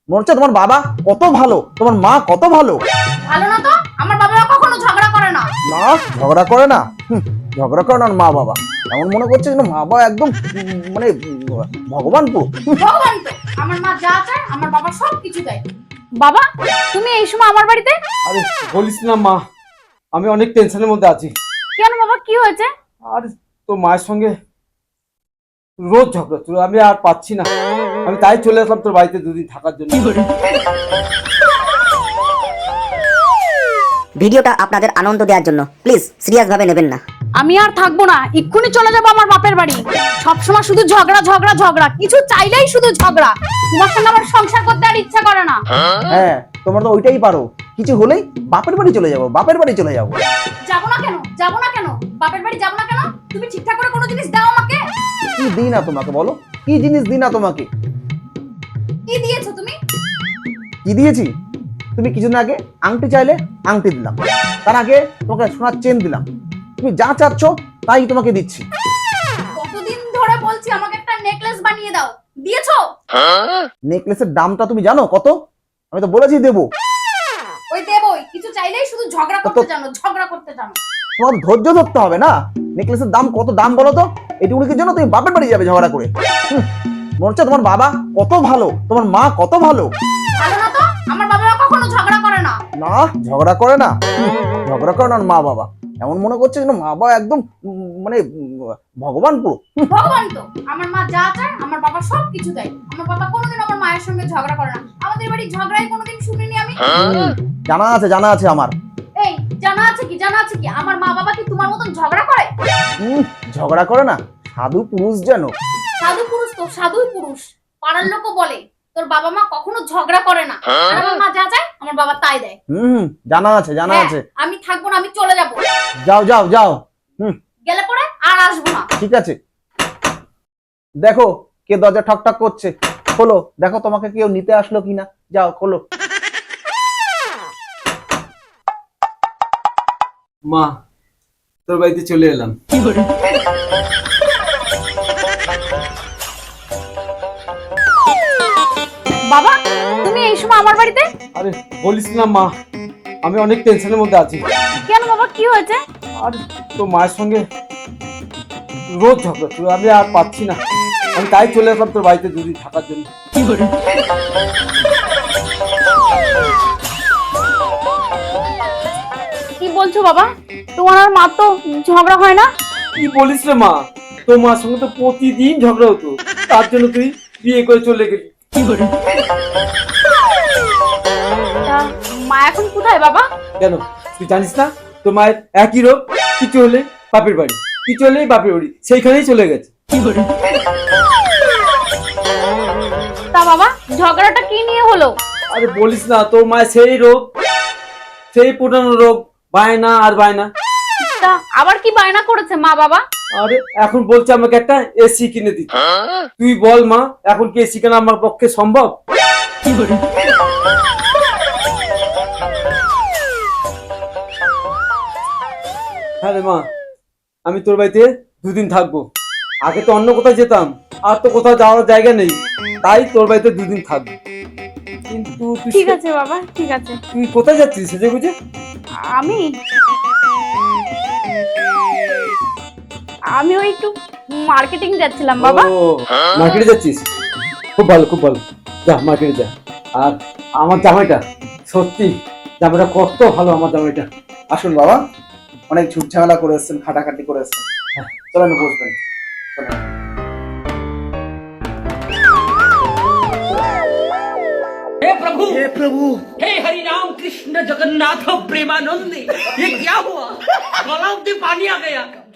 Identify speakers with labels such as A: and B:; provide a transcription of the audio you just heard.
A: মনে হচ্ছে তোমার বাবা কত ভালো, তোমার মা কত ভালো।
B: ভালো না তো? আমার বাবা কখনো ঝগড়া করে না।
A: না, ঝগড়া করে না? ঝগড়া করে না মা বাবা। এমন মনে করছে যেন মা বাবা একদম মানে ভগবান পুরো।
B: ভগবান তো, আমার মা যা চায় আমার বাবা সব কিছু দেয়। বাবা, তুমি এই সময় আমার বাড়িতে?
C: আরে বলিস না মা, আমি অনেক টেনশনের মধ্যে আছি।
B: কেন বাবা, কি হয়েছে?
C: আর তোর মায়ের সঙ্গে রোজ ঝগড়া, তুই আমি আর পাচ্ছি না। আমি তাই চলে আসলাম তোর বাড়িতে দুদিন থাকার জন্য।
D: ভিডিওটা আপনাদের আনন্দ দেওয়ার জন্য, প্লিজ সিরিয়াস ভাবে নেবেন না।
B: আমি আর থাকবো না, এক্ষুনি চলে যাবো আমার বাপের বাড়ি। সবসময় শুধু ঝগড়া ঝগড়া ঝগড়া, কিছু চাইলেই শুধু ঝগড়া। তোমার সঙ্গে আমার সংসার করতে আর ইচ্ছা করে না।
A: হ্যাঁ, তোমরা তো ওইটাই পারো, কিছু হলেই বাপের বাড়ি চলে যাবো, বাপের বাড়ি চলে যাবো।
B: যাবো না কেন? যাবো না কেন? বাপের বাড়ি যাবো না কেন? তুমি ঠিকঠাক করে কোনো জিনিস দাও আমাকে।
A: কি দিই না তোমাকে বলো, কি জিনিস দিই না তোমাকে?
B: কি দিয়েছো তুমি?
A: কি দিয়েছি? তুমি কিছুদিন আগে আংটি চাইলে আংটি দিলাম, তার আগে তোমাকে সোনার চেন দিলাম। তুমি যা চাচ্ছ তাই তোমাকে দিচ্ছি।
B: কতদিন ধরে বলছি আমাকে একটা নেকলেস বানিয়ে দাও, দিয়েছো?
A: নেকলেসের দামটা তুমি জানো কত? আমি তো বলেছি দেবো।
B: ওই দেবই, কিছু চাইলেই শুধু ঝগড়া করতে জানো, ঝগড়া করতে জানো।
A: তোমার ধৈর্য ধরতে হবে না? নেকলেসের দাম কত দাম বলো তো? এটুকুনির জন্য তুমি বাপের বাড়ি যাবে ঝগড়া করে? মনে হচ্ছে তোমার বাবা কত ভালো, তোমার মা কত ভালো।
B: ভালো না তো? আমার বাবা কখনো ঝগড়া করে না।
A: না, ঝগড়া করে না? ঝগড়া করে না মা বাবা। এমন মনে করছে যেন মা বাবা একদম মানে ভগবান পুরো।
B: ভগবান তো, আমার মা যা চায় আমার বাবা সব কিছু দেয়। আমার বাবা কোনোদিন আমার মায়ের সঙ্গে ঝগড়া করে না। আমাদের বাড়ি ঝগড়াই কোনোদিন শুনিনি আমি।
A: জানা আছে, জানা আছে আমার।
B: এই জানা আছে কি, জানা আছে কি? আমার মা বাবা কি তোমার মতন ঝগড়া করে?
A: ঝগড়া করে না, সাধু পুরুষ যেন।
B: সাধু পুরুষ তো, সাধুই পুরুষ। পাড়ার লোকও বলে তোর বাবা মা কখনো ঝগড়া করে না, আর আমার মা যা চায় আমার বাবা তাই দেয়।
A: জানা আছে, জানা
B: হ্যাঁ,
A: আছে।
B: আমি থাকবো না, আমি চলে যাবো।
A: যাও যাও যাও।
B: গেলে পরে আর আসবো না।
A: ঠিক আছে, দেখো কে দরজা ঠক ঠক করছে, খোলো, দেখো তোমাকে কেউ নিতে আসলো কিনা। যাও খোলো।
C: মা, তোর বাড়িতে চলে এলাম।
B: বাবা, তুমি এই সময় আমার বাড়িতে?
C: আরে বলিস না মা, আমি অনেক টেনশনের মধ্যে আছি।
B: কেন বাবা, কি হয়েছে?
C: আর তোর মায়ের সঙ্গে রোজ ঝগড়া, তুই আমি আর পাচ্ছি না। আমি তাই চলে আসলাম তোর বাড়িতে দুদিন থাকার জন্য।
B: কি বলছো বাবা? তোমার আর মা তো ঝগড়া হয় না?
C: কি বলিস রে মা, তোর মার সঙ্গে তো প্রতিদিন ঝগড়া হতো, তার জন্য তুই বিয়ে করে চলে গেলি।
B: তা মা এখন কোথায় বাবা?
C: কেন তুই জানিস না তোর মায়ের একই রোগ, কিছু হলে বাপের বাড়ি, কিছু হলেই বাপের বাড়ি, সেইখানেই চলে গেছে।
B: তা বাবা, ঝগড়াটা কি নিয়ে হলো?
C: আরে বলিস না, তোর মায়ের সেই রোগ, সেই পুরানো রোগ, বায়না আর বায়না।
B: তা আবার কি বায়না করেছে মা বাবা?
C: আরে এখন বলছে আমাকে একটা এসি কিনে দিতে। তুই বল মা, এখন কি এসি কেনা আমার পক্ষে সম্ভব? হ্যাঁ রে মা, আমি তোর বাড়িতে দুদিন থাকবো। আগে তো অন্য কোথাও যেতাম, আর তো কোথাও যাওয়ার জায়গা নেই, তাই তোর বাড়িতে দুদিন থাকবো। কিন্তু
B: ঠিক আছে বাবা, ঠিক আছে।
C: তুই কোথায় যাচ্ছিস সেজে গুজে?
B: আমি আমি ওই একটু মার্কেটিং যাচ্ছিলাম বাবা।
C: ও মার্কেটে যাচ্ছিস, খুব ভালো খুব ভালো, যা মার্কেটে যা। আর আমার জামাইটা, সত্যি জামাইটা কত ভালো, আমার জামাইটা।
A: আসুন বাবা, অনেক ঝুট ঝামেলা করে এসছেন, খাটাখাটি করে এসছেন। হ্যাঁ, চলেন বসবেন। চলেন।
E: हे प्रभु हे हरि राम कृष्ण जगन्नाथ प्रेमानंद, ये क्या हुआ? गला में पानी आ गया।